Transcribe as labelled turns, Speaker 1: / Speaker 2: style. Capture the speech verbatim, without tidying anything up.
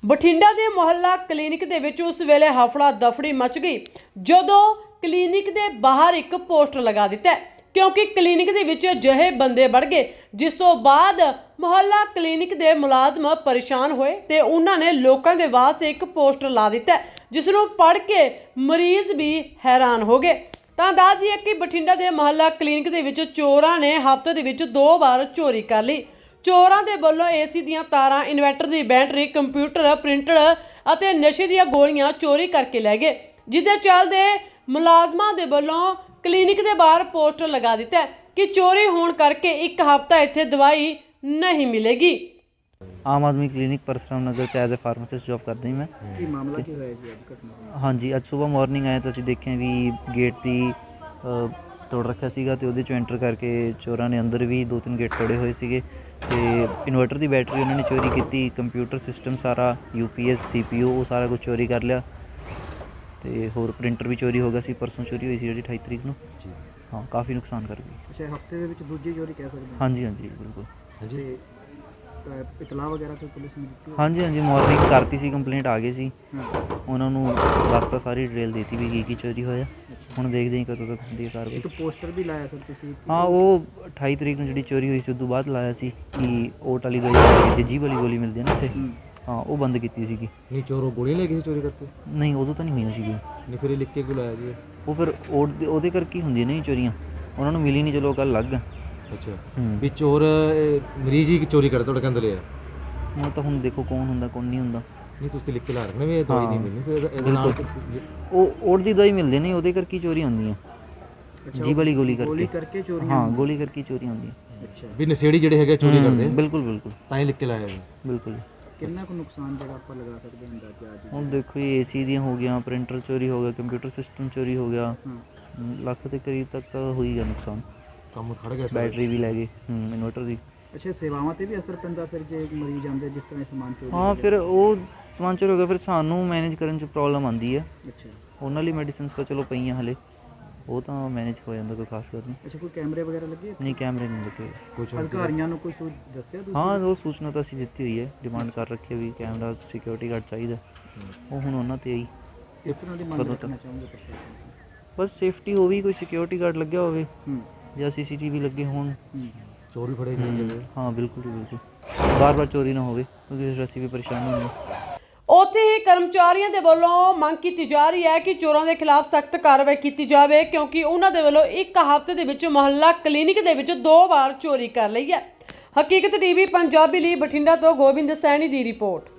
Speaker 1: ਬਠਿੰਡਾ ਦੇ ਮੁਹੱਲਾ ਕਲੀਨਿਕ ਦੇ ਵਿੱਚ ਉਸ ਵੇਲੇ ਹਫੜਾ ਦਫੜੀ ਮਚ ਗਈ ਜਦੋਂ ਕਲੀਨਿਕ ਦੇ ਬਾਹਰ ਇੱਕ ਪੋਸਟਰ ਲਗਾ ਦਿੱਤਾ क्योंकि क्लीनिक ਦੇ ਵਿੱਚ ਅਜਿਹੇ ਬੰਦੇ ਵੜ ਗਏ ਜਿਸ ਤੋਂ ਬਾਅਦ ਮੁਹੱਲਾ ਕਲੀਨਿਕ ਦੇ ਮੁਲਾਜ਼ਮ ਪਰੇਸ਼ਾਨ ਹੋਏ ਤੇ ਉਹਨਾਂ ਨੇ ਲੋਕਾਂ ਦੇ ਵਾਸਤੇ ਇੱਕ ਪੋਸਟਰ ਲਾ ਦਿੱਤਾ ਜਿਸ ਨੂੰ ਪੜ੍ਹ ਕੇ ਮਰੀਜ਼ ਵੀ ਹੈਰਾਨ ਹੋ ਗਏ। ਤਾਂ ਦੱਸ ਦਈਏ ਕਿ ਬਠਿੰਡਾ ਦੇ ਮੁਹੱਲਾ ਕਲੀਨਿਕ ਦੇ ਵਿੱਚ ਚੋਰਾਂ ਨੇ ਹਫ਼ਤੇ ਦੇ ਵਿੱਚ ਦੋ ਵਾਰ ਚੋਰੀ ਕਰ ਲਈ। ਚੋਰਾਂ ਦੇ ਵੱਲੋਂ ਏਸੀ ਦੀਆਂ ਤਾਰਾਂ, ਇਨਵਰਟਰ ਦੀ ਬੈਟਰੀ, ਕੰਪਿਊਟਰ, ਪ੍ਰਿੰਟਰ ਅਤੇ ਨਸ਼ੇ ਦੀਆਂ ਗੋਲੀਆਂ ਚੋਰੀ ਕਰਕੇ ਲੈ ਗਏ, ਜਿਸ ਦੇ ਚੱਲਦੇ ਮੁਲਾਜ਼ਮਾਂ ਦੇ ਵੱਲੋਂ ਕਲੀਨਿਕ ਦੇ ਬਾਹਰ पोस्टर लगा दिता है कि चोरी होने करके एक हफ्ता इत्थे दवाई नहीं मिलेगी।
Speaker 2: आम आदमी क्लीनिक परसराम नगर च एज ए फार्मासिस्ट जॉब करदा ही मैं।
Speaker 3: ਕੀ ਮਾਮਲਾ ਕੀ ਹੋਇਆ ਜੀ ਅੱਜ ਘਟਨਾ?
Speaker 2: हाँ जी, अज सुबह मॉर्निंग आए तो ਅਸੀਂ ਦੇਖਿਆ ਵੀ ਗੇਟ ਦੀ ਤੋੜ ਰੱਖਿਆ ਸੀਗਾ ਤੇ ਉਹਦੇ ਚੋਂ ਐਂਟਰ ਕਰਕੇ ਚੋਰਾਂ ਨੇ ਅੰਦਰ ਵੀ ਦੋ ਤਿੰਨ ਗੇਟ ਤੋੜੇ ਹੋਏ ਸੀਗੇ ਤੇ ਇਨਵਰਟਰ ਦੀ ਬੈਟਰੀ ਉਹਨਾਂ ਨੇ ਚੋਰੀ ਕੀਤੀ, ਕੰਪਿਊਟਰ ਸਿਸਟਮ ਸਾਰਾ, ਯੂਪੀਐਸ, ਸੀਪੀਯੂ ਉਹ ਸਾਰਾ ਕੁਝ ਚੋਰੀ ਕਰ ਲਿਆ ਤੇ ਹੋਰ ਪ੍ਰਿੰਟਰ ਵੀ ਚੋਰੀ ਹੋ ਗਿਆ ਸੀ। ਪਰਸੋਂ ਚੋਰੀ ਹੋਈ ਸੀ ਜਿਹੜੀ ਅਠਾਈ ਤਰੀਕ ਨੂੰ।
Speaker 3: ਜੀ
Speaker 2: ਹਾਂ, ਕਾਫੀ ਨੁਕਸਾਨ ਕਰ ਗਈ।
Speaker 3: ਅੱਛਾ, ਹਫਤੇ ਦੇ ਵਿੱਚ ਦੂਜੀ ਚੋਰੀ ਕਹਿ ਸਕਦੇ ਹਾਂ?
Speaker 2: ਹਾਂਜੀ ਹਾਂਜੀ ਬਿਲਕੁਲ।
Speaker 3: ਹਾਂਜੀ, ਇਤਲਾਹ ਵਗੈਰਾ ਕੋਈ ਪੁਲਿਸ ਨੂੰ ਦਿੱਤੀ?
Speaker 2: ਹਾਂਜੀ ਹਾਂਜੀ, ਮਾਰਨਿੰਗ ਕਰਤੀ ਸੀ, ਕੰਪਲੇਂਟ ਆ ਗਈ ਸੀ,
Speaker 3: ਹਾਂ,
Speaker 2: ਉਹਨਾਂ ਨੂੰ ਦੱਸਤਾ ਸਾਰੀ ਡਿਟੇਲ ਦਿੱਤੀ ਵੀ ਕੀ ਕੀ ਚੋਰੀ ਹੋਇਆ। ਹੁਣ ਦੇਖਦੇ ਹਾਂ ਕਦੋਂ ਤੱਕ ਹੁੰਦੀ ਹੈ ਕਾਰਵਾਈ।
Speaker 3: ਇੱਕ ਪੋਸਟਰ ਵੀ ਲਾਇਆ ਸਰ ਤੁਸੀਂ?
Speaker 2: ਹਾਂ, ਉਹ ਅਠਾਈ ਤਰੀਕ ਨੂੰ ਜਿਹੜੀ ਚੋਰੀ ਹੋਈ ਸੀ ਉਸ ਤੋਂ ਬਾਅਦ ਲਾਇਆ ਸੀ ਕਿ ਓਟ ਵਾਲੀ ਗੋਲੀ, ਜੀ ਵਾਲੀ ਗੋਲੀ ਮਿਲਦੀ ਹੈ ਨਾ ਇੱਥੇ, ਹਾਂ ਉਹ ਬੰਦ ਕੀਤੀ ਸੀਗੀ।
Speaker 3: ਨਹੀਂ, ਚੋਰ ਗੋਲੀ ਲੈ ਕੇ ਚੋਰੀ ਕਰਤੇ?
Speaker 2: ਨਹੀਂ, ਉਦੋਂ ਤਾਂ ਨਹੀਂ ਹੋਈਆਂ ਸੀਗੀਆਂ।
Speaker 3: ਨਹੀਂ, ਫਿਰ ਇਹ ਲਿਖ ਕੇ ਕਿਉਂ ਲਾਇਆ ਜੀ?
Speaker 2: ਉਹ ਫਿਰ ਓਟ ਦੇ ਉਹਦੇ ਕਰਕੇ ਹੀ ਹੁੰਦੀਆਂ ਨੇ ਚੋਰੀਆਂ, ਉਹਨਾਂ ਨੂੰ ਮਿਲੀ ਨਹੀਂ, ਚਲੋ ਉਹ ਗੱਲ ਅਲੱਗ ਆ।
Speaker 3: ਅੱਛਾ,
Speaker 2: ਹੂੰ,
Speaker 3: ਵੀ ਚੋਰ ਮਰੀਜ਼ ਹੀ ਚੋਰੀ ਕਰਦਾ ਤੁਹਾਡੇ ਕਹਿੰਦੇ ਲਿਆ?
Speaker 2: ਹੁਣ ਤਾਂ ਹੁਣ ਦੇਖੋ ਕੌਣ ਹੁੰਦਾ ਕੌਣ ਨਹੀਂ ਹੁੰਦਾ।
Speaker 3: ਨਹੀਂ, ਤੁਸੀਂ ਲਿਖ ਕੇ ਲਾ ਰੱਖਣਾ ਵੀ ਇਹ ਦਵਾਈ ਨਹੀਂ ਮਿਲਣੀ, ਫਿਰ ਇਹਦੇ ਨਾਲ
Speaker 2: ਉਹ ਓਟ ਦੀ ਦਵਾਈ ਮਿਲਦੀ ਨਹੀਂ, ਉਹਦੇ ਕਰਕੇ ਚੋਰੀ ਹੁੰਦੀਆਂ, ਜੀ ਵਾਲੀ ਗੋਲੀ
Speaker 3: ਗੋਲੀ
Speaker 2: ਕਰਕੇ।
Speaker 3: ਕਰਕੇ ਚੋਰੀ?
Speaker 2: ਹਾਂ, ਗੋਲੀ ਕਰਕੇ ਚੋਰੀ ਹੁੰਦੀ ਹੈ।
Speaker 3: ਅੱਛਾ, ਵੀ ਨਸ਼ੇੜੀ ਜਿਹੜੇ ਹੈਗੇ ਚੋਰੀ ਕਰਦੇ?
Speaker 2: ਬਿਲਕੁਲ ਬਿਲकुल,
Speaker 3: ਤਾਂ ਹੀ ਲਿਖ ਕੇ ਲਾਇਆ ਜੀ।
Speaker 2: ਬਿਲਕੁਲ।
Speaker 3: ਕਿੰਨਾ ਕੁ ਨੁਕਸਾਨ ਜਿਹੜਾ ਆਪਾਂ ਲਗਾ ਸਕਦੇ ਹਾਂ ਅੰਦਾਜ਼ਾ ਅੱਜ?
Speaker 2: ਹੁਣ ਦੇਖੋ ਜੀ, ਏਸੀ ਦੀਆਂ ਹੋ ਗਿਆ, ਪ੍ਰਿੰਟਰ ਚੋਰੀ ਹੋ ਗਿਆ, ਕੰਪਿਊਟਰ ਸਿਸਟਮ ਚੋਰੀ ਹੋ ਗਿਆ,
Speaker 3: ਹਾਂ,
Speaker 2: ਲੱਖ ਦੇ ਕਰੀਬ ਤੱਕ ਹੋਈ ਗਿਆ ਨੁਕਸਾਨ।
Speaker 3: ਕੰਮ ਖੜ ਗਿਆ,
Speaker 2: ਬੈਟਰੀ ਵੀ ਲੈ ਗਏ, ਹੂੰ, ਇਨਵਰਟਰ ਦੀ।
Speaker 3: ਅੱਛਾ, ਸੇਵਾਵਾਂ ਤੇ ਵੀ ਅਸਰ ਪੈਂਦਾ ਫਿਰ ਜੇ ਮਰੀਜ਼ ਆਉਂਦੇ ਜਿਸ ਤਰ੍ਹਾਂ ਸਮਾਨ ਚੋਰੀ?
Speaker 2: ਹਾਂ, ਫਿਰ ਉਹ ਸਮਾਨ ਚੋਰੀ ਹੋ ਗਿਆ, ਫਿਰ ਸਾਨੂੰ ਮੈਨੇਜ ਕਰਨ 'ਚ ਪ੍ਰੋਬਲਮ ਆਉਂਦੀ ਹੈ।
Speaker 3: ਅੱਛਾ,
Speaker 2: ਉਹਨਾਂ ਲਈ ਮੈਡੀਸਿਨਸ ਤਾਂ ਚਲੋ ਪਈਆਂ ਹਲੇ, ਉਹ ਤਾਂ ਮੈਨੇਜ ਹੋ ਜਾਂਦਾ, ਕੋਈ ਖਾਸ ਗੱਲ ਨਹੀਂ।
Speaker 3: ਅੱਛਾ, ਕੋਈ ਕੈਮਰੇ ਵਗੈਰਾ ਲੱਗੇ?
Speaker 2: ਨਹੀਂ, ਕੈਮਰੇ ਨਹੀਂ ਲੱਗੇ।
Speaker 3: ਕੁਝ ਅਧਿਕਾਰੀਆਂ ਨੂੰ ਕੋਈ ਸੂਚ ਦੱਸਿਆ ਤੁਸੀਂ?
Speaker 2: ਹਾਂ, ਉਹ ਸੂਚਨਾ ਤਾਂ ਅਸੀਂ ਦਿੱਤੀ ਹੋਈ ਹੈ, ਡਿਮਾਂਡ ਕਰ ਰੱਖੀ ਹੈ ਵੀ ਕੈਮਰਾ, ਸਿਕਿਉਰਿਟੀ ਗਾਰਡ ਚਾਹੀਦਾ, ਉਹ ਹੁਣ ਉਹਨਾਂ 'ਤੇ ਆਈ।
Speaker 3: ਇਸ ਤਰ੍ਹਾਂ ਦੀ ਮੰਗ
Speaker 2: ਕਦੋਂ
Speaker 3: ਰੱਖਣਾ
Speaker 2: ਤੱਕ?
Speaker 3: ਚਾਹੋਗੇ ਪ੍ਰਸ਼ਾਸਨ?
Speaker 2: ਬਸ ਸੇਫਟੀ ਹੋਵੇ, ਕੋਈ ਸਿਕਿਉਰਿਟੀ ਗਾਰਡ ਲੱਗਿਆ ਹੋਵੇ
Speaker 3: ਹੂੰ,
Speaker 2: ਜਾਂ ਸੀਸੀਟੀਵੀ ਲੱਗੇ ਹੋਣ।
Speaker 3: ਚੋਰ ਵੀ ਫੜੇ
Speaker 2: ਹੂੰ, ਹਾਂ ਬਿਲਕੁਲ ਜੀ ਬਿਲकुल, ਬਾਰ ਬਾਰ ਚੋਰੀ ਨਾ ਹੋਵੇ ਕਿਉਂਕਿ ਫਿਰ ਅਸੀਂ ਵੀ ਪਰੇਸ਼ਾਨ ਹੁੰਦੇ ਹਾਂ।
Speaker 1: ਉੱਥੇ ਹੀ ਕਰਮਚਾਰੀਆਂ ਦੇ ਵੱਲੋਂ ਮੰਗ ਕੀਤੀ ਜਾ ਰਹੀ ਹੈ ਕਿ ਚੋਰਾਂ ਦੇ ਖਿਲਾਫ ਸਖਤ ਕਾਰਵਾਈ ਕੀਤੀ ਜਾਵੇ ਕਿਉਂਕਿ ਉਹਨਾਂ ਦੇ ਵੱਲੋਂ ਇੱਕ ਹਫ਼ਤੇ ਦੇ ਵਿੱਚ ਮੁਹੱਲਾ ਕਲੀਨਿਕ ਦੇ ਵਿੱਚ ਦੋ ਵਾਰ ਚੋਰੀ ਕਰ ਲਈ ਹੈ। ਹਕੀਕਤ ਟੀਵੀ ਪੰਜਾਬੀ ਲਈ ਬਠਿੰਡਾ ਤੋਂ ਗੋਬਿੰਦ ਸੈਣੀ ਦੀ ਰਿਪੋਰਟ।